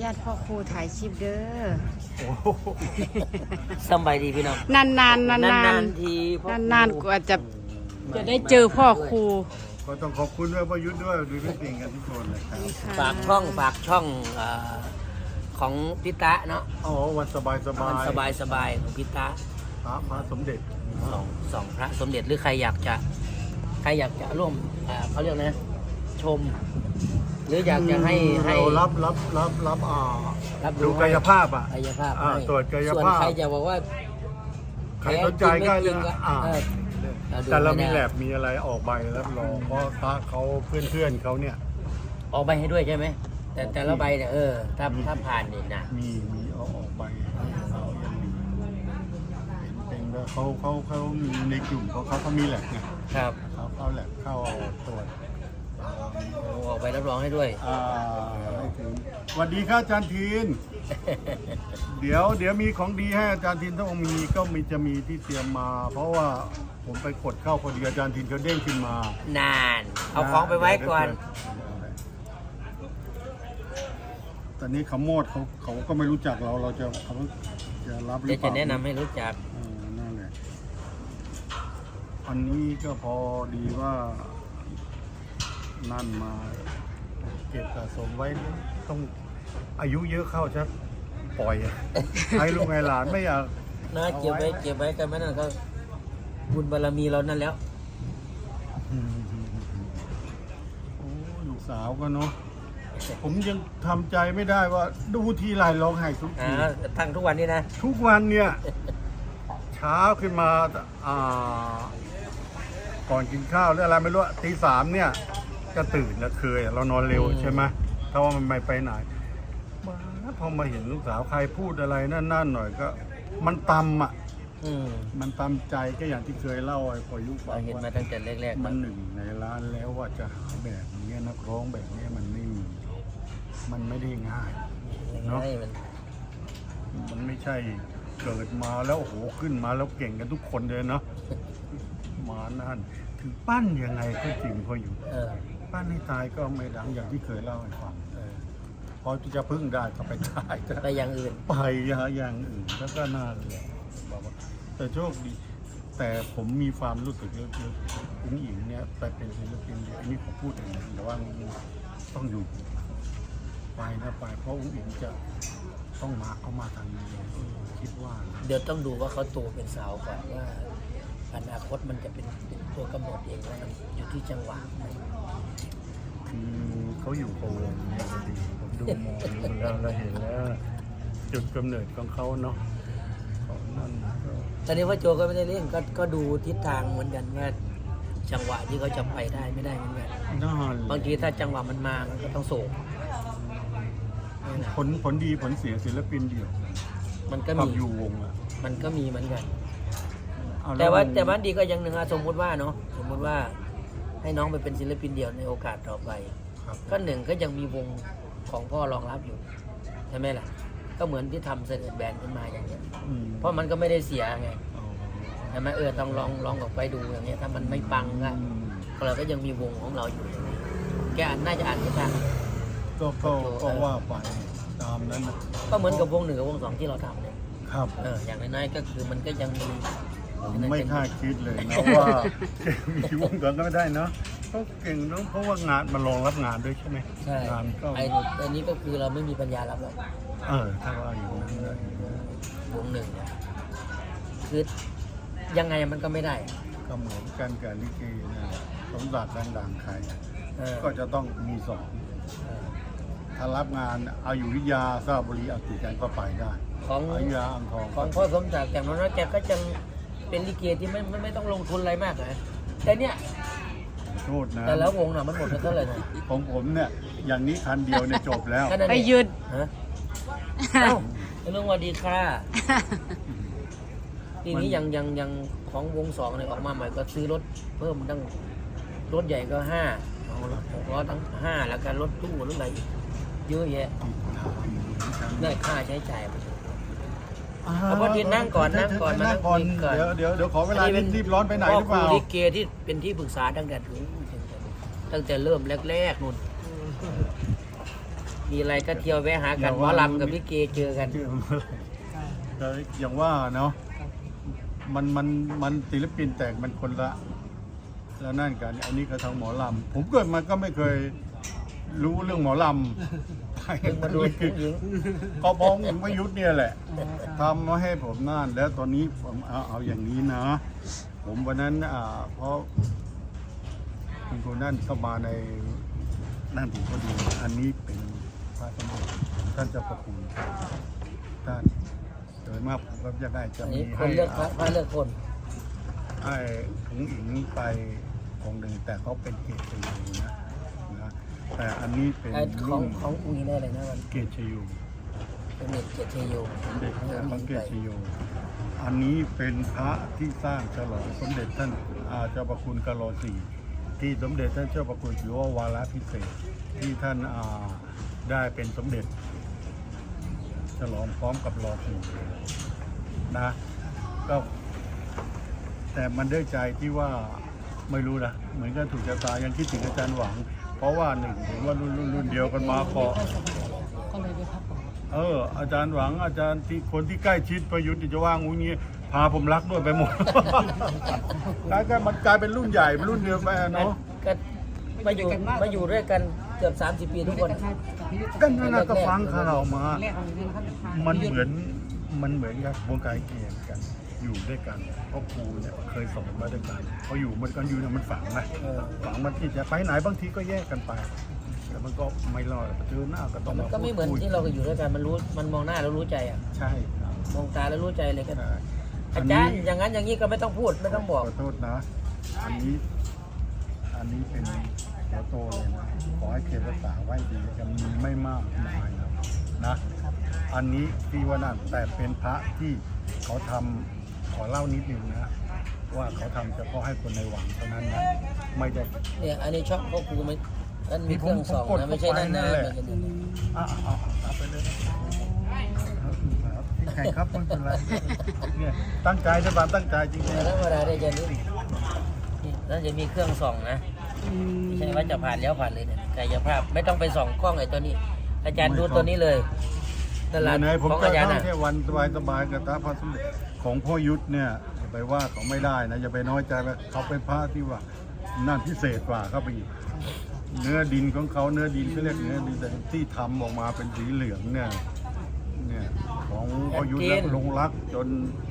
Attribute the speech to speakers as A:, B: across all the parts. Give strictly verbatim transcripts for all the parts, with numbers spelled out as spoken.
A: าตพ่อครูถ่ายคลิปเด้อ
B: สบายดีพี่น้อง
A: นานๆนานๆนาน
B: นานๆทีพ่อครู
A: นานๆกว่าจะจะได้เจอพ่อครู
C: ก็ต้องขอบคุณด้วยประยุทธ์ด้วยดูพี่ปิงกันทุกคนเลยครับ
B: ฝากช่องฝากช่องเอ่อของพิตะเนาะ
C: อ๋อวันสบายสบา
B: มัน
C: ย
B: สบายสบายของพิตะ
C: พระพระสมเด็จ
B: สองสองพระสมเด็จหรือใครอยากจะใครอยากจะร่วมเอ่อเขาเรียกนะชม หรืออยากจะให้ให้
C: เรารับรับรับรับอ่า
B: รับ
C: ดูกายภาพอ่ะ
B: กายภาพ
C: อ่า
B: ให้
C: ตรวจกาย
B: ส่วน
C: ภาพ
B: ใครจะบอกว่า
C: ใครสนใจก็
B: แพ้จริงไม่จริงก็
C: อ่า
B: เออเราดู
C: แต่เรามี
B: ไม่ได้
C: แลบมีอะไรออกใบรับรองเพราะพระเขาเพื่อนเพื่อนๆเขาเนี่ย
B: ออกใบให้ด้วยใช่ไหมแต่แต่ละใบเนี่ยเออถ้าถ้าผ่านนี่นะ
C: มีมีเอาออกใบเขายังมีเป็นว่าเขาเขาเขามีในกลุ่มเขาเขาเขามีแลบไง
B: ครับ
C: เขาเข้าแลบเข้าตรวจ
B: โอ้ออกใบรับรองให้ด้วย
C: อ่าไม่ถึงสวัสดีครับอาจารย์ทีน เดี๋ยวเดี๋ยวมีของดีให้อาจารย์ทินต้องมีก็มีจะมีที่เตรียมมา เพราะว่าผมไปกดเข้าพอดีอาจารย์ทินเขาเด้งขึ้นมาน
B: าน เอาของไปไว้ก่อน
C: ตอนนี้เขาโมดเขาเขาก็ไม่รู้จักเราเราจะเขาจะรับหรือ
B: เดี๋ยว
C: เป
B: จะ
C: ล่า
B: แนะนำให้รู้จัก
C: เออนั่นแหละอันนี้ก็พอดีว่านั่นมาเก็บสะสมไว้ต้องอายุเยอะเข้าชักปล่อยอะให้ลูกไงหลานไม่อยาก
B: นะเก็บไว้เก็บไว้กันไม่นั่นก็บุญบารมีเรานั่นแล้ว
C: โอ้ลูกสาวก็เนาะผมยังทำใจไม่ได้ว่าดูทีไรร้องไห้ทุก
B: อ่า
C: ที
B: ทั้งทุกวันนี้นะ
C: ทุกวันเนี่ยเช้าขึ้นมาอ่าก่อนกินข้าวหรืออะไรไม่รู้ตีสามเนี่ยก็ตื่นแล้วเคยเรานอนเร็วใช่ไหมถ้าว่ามันไม่ไปไหนมาพอมาเห็นลูกสาวใครพูดอะไรนั่นๆหน่อยก็ มันตำอ่ะ
B: อืม
C: มันตำใจก็อย่างที่เคยเล่าไอ้พอยุค
B: เราเห็นมาตั้งแต่แรกๆ
C: มันหนึ่งในร้านแล้วว่าจะหาแบบนี้นักร้องแบบนี้มันไม่มีมันไม่ได้ง่าย เนอะ
B: ให้มัน
C: มันไม่ใช่เกิดมาแล้วโอ้โหขึ้นมาแล้วเก่งกันทุกคนเลยเนาะมานั่นถึงปั้นยังไงก็จริงพออยู่
B: เออ
C: ปั้นให้ตายก็ไม่ดังอย่างที่เคยเล่าให้ฟัง
B: เออ
C: พอจะพึ่งได้ก็ไปตายก็
B: ไปอย่างอื่น
C: ไปหาอย่างอื่นแล้วก็น่าเลยบอกว่าแต่โชคดี แต่ผมมีความรู้สึกลึกๆอุ้งอิงเนี่ยไปเป็นศิลปินเดียวอันนี้ผมพูดเองนะแต่ว่าต้องอยู่ไปนะไปเพราะอุ้งอิงจะต้องมาเขามาทางนี้คิดว่านะ
B: เดี๋ยวต้องดูว่าเขาโตเป็นสาวก่อนว่าอนาคตมันจะเป็นเป็นตัวกำหนดเองว่ามันอยู่ที่จังหวะมัน
C: คือเขาอยู่โพวงเนี่ยพอดีผมดูมองดูแล้วเราเห็นแล้วจุดกำเนิดของเขาเนาะของนั่นก็
B: ตอนนี้ว่าโจก็ไม่ได้เล่นก็ก็ดูทิศทางเหมือนกันว่าจังหวะที่เขาจะไปได้ไม่ได้เหมือนกัน
C: น่า
B: บางทีถ้าจังหวะมันมามันก็ต้องส่งนี่แหละ
C: ผลผลดีผลเสียศิลปินเดี่ยว
B: มันก็
C: กั
B: มี
C: บอยู่วงอ่ะ
B: มันก็มีเหมือนกัน
C: เอล้
B: แต่ว่าแต่ว่าดีก็อยังหนึ่งอะสมมุติว่าเนาะสมมุติว่าให้น้องไปเป็นศิลปินเดี่ยวในโอกาสต่อไป
C: ครับ
B: ก็หนึ่งก็ยังมีวงของพ่อรองรับอยู่ใช่ไหมล่ะ ก็เหมือนที่ทำเสนอแบรนด์ขึ้นมาอย่างเงี้ย
C: อืม
B: เพราะมันก็ไม่ได้เสียไง
C: อ๋อ
B: ใช่ไหมเออต้องลองลองออกไปดูอย่างเงี้ยถ้ามันไม่ปังก็
C: อืม
B: เราก็ยังมีวงของเราอยู่อย่างนี้แกอ่านน่าจะอ่านไม่ทัน
C: ก็ก็ก็ว่าไปตามนั้นนะ
B: ก็เหมือนกับวงหนึ่งกับวงสองที่เราทำเนี่ย
C: ครับ
B: เอออย่างน้อยๆก็คือมันก็ยังมี
C: ผมไม่คาดคิดเลยนะว่าจะมีวงก่อนก็ไม่ได้เนาะเขาเก่งเนาะเพราะว่างานมันรองรับงานด้วยใช่ไหม
B: ใช่
C: งานก็
B: ไอ้อันนี้ก็คือเราไม่มีปัญญารับหรอก
C: เออถ้าว่าอย่างนั้นได้
B: วงหนึ่งเนี่ยคือยังไงมันก็ไม่ได้
C: ก็เหมือนกันกับลิเกนะสมบัติดังๆใคร
B: เออ
C: ก็จะต้องมีสอง
B: เออ
C: ถ้ารับงานอายุวิทยาสระบุรีเอาติดกันก็ไปได้
B: ของ
C: อายุยาอ่างทอง
B: ของพ่อสมศักดิ์แต่น้อยๆแกก็จะเป็นลิเกที่ไม่ไม่ไม่ต้องลงทุนอะไรมากนะแต่เนี่ย
C: โทษนะ
B: แต่แล้ววงน่ะมันหมดไปเท่าไหร่นะ
C: ของผมเนี่ยอย่างนี้คันเดียวเนี่ยจบแล้ว
B: แค่นั้น
A: ไป
B: เอง
A: หยุด
B: ฮะเอ้าลุงสวัสดีค่ะทีนี้ยังยังยังของวงสองเนี่ยออกมาใหม่ก็ซื้อรถเพิ่มตั้งรถใหญ่ก็ห้าเอาละหกล้อตั้งห้าแล้วก็รถตู้รถอะไรอีกเยอะแยะได้ค่าใช้จ่ายมัน เอาพอดีนั่งก่อนนั่งก่อนมานั่
C: นั่
B: ง
C: งก่อน
B: คุยก่อน
C: เดี๋ยวเดี๋ยวเดี๋ยวขอเวลานิดรีบร้อนไปไหนหรือเปล่า
B: พ่คลิเกที่เป็นที่ปรึกษาตั้งแต่ถึงตั้งแต่เริ่มแรกๆนู่นมีอะไรก็เที่ยวแวะหากันหมอลำกับพี่เกเจอกัน
C: ชื่อมันอะไรแต่อย่างว่าเนาะมันมันมันศิลปินแต่มันคนละแล้วนั่นกัน อันนี้ก็ทางหมอลำผมเกิดมาก็ไม่เคยรู้เรื่องหมอลำ
B: เพิ่งมาดูผู้หญิง
C: ก็พ้องหญิงประยุทธ์เนี่ยแหละทำมาให้ผมนั่นแล้วตอนนี้ผมเอาเอาอย่างนี้นะ ผมวันนั้นอ่าเพราะคุณคนนั่นเข้ามาในนั่นผมก็ดูอันนี้เป็นพระสมเด็จท่านเจ้าประคุณท่านโดยมากผมก็จะได้จะ
B: อัน
C: มี
B: นี้ค
C: ให้
B: นเลือกพระพระเลือกคน
C: ให้ถุงอิงไปองค์หนึ่งแต่เขาเป็นเกศชยูนะนะแต่อันนี้เป็น
B: ไอ้ขอ
C: รุ่
B: ง
C: น
B: ของอุ้งอิงได้เลยนะมัน
C: เกศชยู
B: เป็นเด็กเกียรติชัยโย
C: สมเด็จพระสังเกตชโย อันนี้เป็นพระที่สร้างฉลองสมเด็จท่านอาเจ้าประคุณกะโลสีที่สมเด็จท่านเจ้าประคุณถือว่าวาระพิเศษที่ท่านอ่าได้เป็นสมเด็จ ฉลองพร้อมกับรอสีนะก็แต่มันด้วยใจที่ว่าไม่รู้นะเหมือนกันถูกชะตายังคิดถึงอาจารย์หวัง เพราะว่าหนึ่งเห็นว่ารุ่นรุ่นรุ่นเดียวกันมาเกาะ
A: ก็เลยได้พักก่อน
C: เอออาจารย์หวังอาจารย์ที่คนที่ใกล้ชิดประยุทธ์จะว่างงูงี้พาผมรักด้วยไปหมด กลายกันมันกลายเป็นรุ่นใหญ่เป็นรุ่นเดียวไปอะเนาะ
B: ก็มาอยู่มาอยู่ด้วยกันเกือบสามสิบปีทุกคน
C: ก็นั่นนะก็ฟังข่าวมา
A: แรกของเรื่องครับ
C: มันเหมือนมันเหมือนกับวงการเกียรติกันอยู่ด้วยกันเพราะครูเนี่ยเคยสอนมาด้วยกันพออยู่มันกันอยู่เนี่ยมันฝังนะ
B: เออ
C: ฝังมันที่จะไปไหนบางทีก็แยกกันไปแต่มันก็ไม่รอดเจอหน้าก็ต้อง
B: มันก็ไม่เหมือน
C: พูดคุย
B: ที่เราอยู่ด้วยกันมันรู้มันมองหน้าแล้วรู้ใจอ่ะ
C: ใช่ครับ
B: มองตาแล้วรู้ใจเลยก็
C: ใช่
B: อาจารย์อย่างนั้นอย่างนี้ก็ไม่ต้องพูดไม่ต้องบอก
C: ขอโทษนะ อันนี้ อันนี้เป็นหัวโตเลยนะ ขอให้เก็บรักษาไว้ดีจะมีไม่มากมายนะนะ อันนี้ที่ว่านั่นแต่เป็นพระที่เขาทำขอเล่านิดนึงนะ ว่าเขาทำเฉพาะให้คนในวังเท่านั้นนะไม่ได้
B: เนี่ยอันนี้ช่องพ่อครูมันนั่นมีเครื่องสองนะไม่ใช่นั่นนะไม่ใช่นั่นนะ
C: อ่ะเอาเอาไปเลยครับที่ใครครับไม่เป็นไรเนี่ยตั้งใจนะบานตั้งใจจริง
B: แต่ธรรมดาได้จะนี่นี่นั่นจะมีเครื่องส่องนะไม่ใช่ว่าจะผ่านแล้วผ่านเลยเนี่ยกายภาพไม่ต้องไปส่องกล้องไอ้ตัวนี้ อาจารย์ดูตัวนี้เลยตลาด
C: ไหนๆผม
B: ของ
C: จะ
B: อาจารย์
C: ท่อ
B: น่ะ
C: งแค่วันสบายๆกับตาพระสมเด็จของพ่อยุทธเนี่ยอย่าไปว่าเขาไม่ได้นะอย่าไปน้อยใจว่าเขาเป็นพระที่ว่านั่นพิเศษกว่าเข้าไปอีกเนื้อดินของเขาเนื้อดินเขาเรียกเนื้อดินแต่ที่ทำออกมาเป็นสีเหลืองเนี่ยเนี่ยของพ่อยุทธแล้วลงรักจน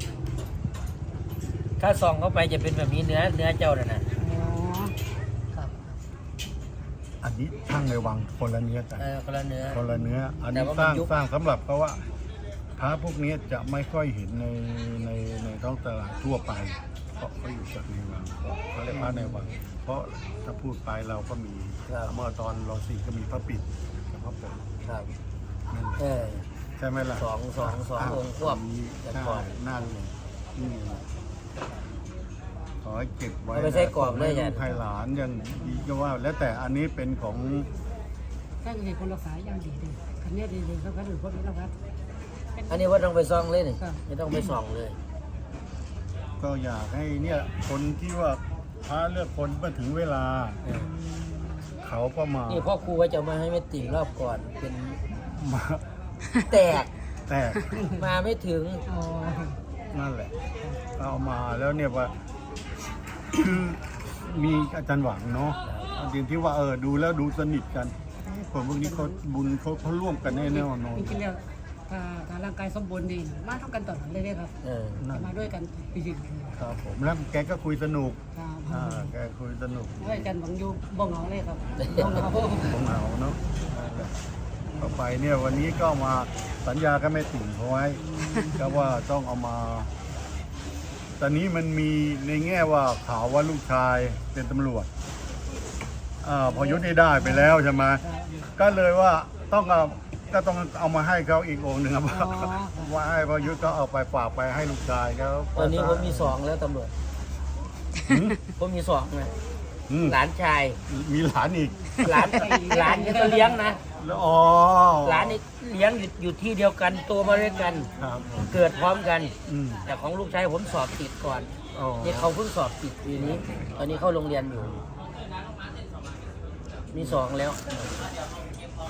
B: ถ้าส่องเข้าไปจะเป็นแบบนี้เนื้อเนื้อเจ้าน่ะนะ
A: อ๋อครับ
C: อันนี้ช่างในวังคนละเนื้อกัน
B: เออคนละเนื้อ
C: คนละเนื้อ อัน
B: แต่
C: นี้
B: ว่า
C: ส
B: มัน
C: ร้าง
B: ยุบ
C: สร้างสำหรับเพราะว่าพระพวกนี้จะไม่ค่อยเห็นในในในท้องตลาดทั่วไป เพราะเขาอยู่จากในวังเขาเรียกพระในวัง เพราะถ้าพูดไปเราก็มีเมื่อตอนรอสี่ก็มีพระปิดกับพระปก
B: ครับ
C: นั่น
B: เออ
C: ใช่ไหมล่ะ
B: สองสองสององค์ควบ
C: นี้
B: แต่
C: ใช่
B: ก่อน
C: นั่นเลยนี่แหละขอให้เก็บไว้
B: เอาไปใช้กรอบเลย
C: ให้
B: อาจารย์
C: ลูกให้หลานยังดีก็ว่า แล้วแต่อันนี้เป็นของ
A: ตั้งใจคนรักษาอย่างดีเลยคันนี้ดีเลยเขาก็ถือพวกนี้แล้วครับ
B: อันนี้ว่าต้องไปส่องเลยนี่
A: ครับ
B: ไม่ต้องไปส่องเลย
C: ก็อยากให้เนี่ยคนที่ว่าพระเลือกคนเมื่อถึงเวลา
B: เออ
C: เขาก็มา
B: นี่พ่อครูว่าจะมาให้แม่ติ่งรอบก่อนเป็น
C: มา
B: แตก
C: แต่
B: มาไม่ถึง
A: อ๋อ
C: นั่นแหละเอามาแล้วเนี่ยว่า คือมีอาจารย์หวังเนาะจริงที่ว่าเออดูแล้วดูสนิทกันคนพวกนี้เขาบุญเขาเขาร่วมกันแน่แน่นอน
A: จริงๆแล้วถ้าถ้าร่างกายสมบูรณ์ดีมาเท่ากันตลอดเลยครับ
B: เออ
C: นั่น
A: มาด้วยกันปีจริง
C: ครับผมแล้วแกก็คุยสนุก
A: ครับ
C: อ่าแกคุยสนุก
A: ด้วยกันบังยูบ้องเหงาเลยครับบ้องเหงา
C: ของเราเนาะต่อไปเนี่ยวันนี้ก็มาสัญญาก็ไม่ติ่งเขาไว้ก็ว่าต้องเอามา ตอนนี้มันมีในแง่ว่าข่าวว่าลูกชายเป็นตำรวจอ่าพอยุทธได้ได้ไปแล้วใช่ไหมก็เลยว่าต้องเอาก็ต้องเอามาให้เขาอีกองค์หนึ่งครับว่าให้พอยุทธก็เอาไปฝากไปให้ลูกชายเขา
B: ตอนนี้ผมมีสองแล้วตำรวจ
C: หืม
B: ผมมีสองนะ
C: อืม
B: หลานชาย
C: มีหลานอีก
B: หลานหลานนี่ก็เลี้ยงนะ
C: แล้วอ๋อ
B: หลานนี่เลี้ยงอยู่อยู่ที่เดียวกันโตมาด้วยกัน
C: ครับผม
B: เกิดพร้อมกัน
C: อืม
B: แต่ของลูกชายผมสอบติดก่อน
C: อ๋อ
B: นี่เขาเพิ่งสอบติดปีนี้ ตอนนี้เข้าโรงเรียนอยู่ มีสองแล้ว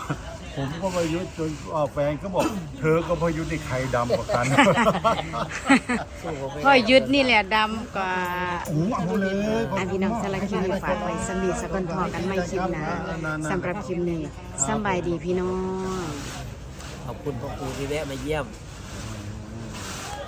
C: ผมก็พยุทธ์จนอ่าแฟนก็บอก เธอก็พยุทธ์ในใครดำกว่ากัน
B: สู้เขาไม่ได้
D: พ่อยุดนี่แหละดำกว่า
C: โอ้โหเอาเลย
D: อันพี่น้องสารบคลิปนี้ฝากไว้สมีสกลพอกันไม่คลิปนะสำหรับคลิปนี้สำบายดีพี่น้อง
B: ขอบคุณพ่อครูที่แวะมาเยี่ยม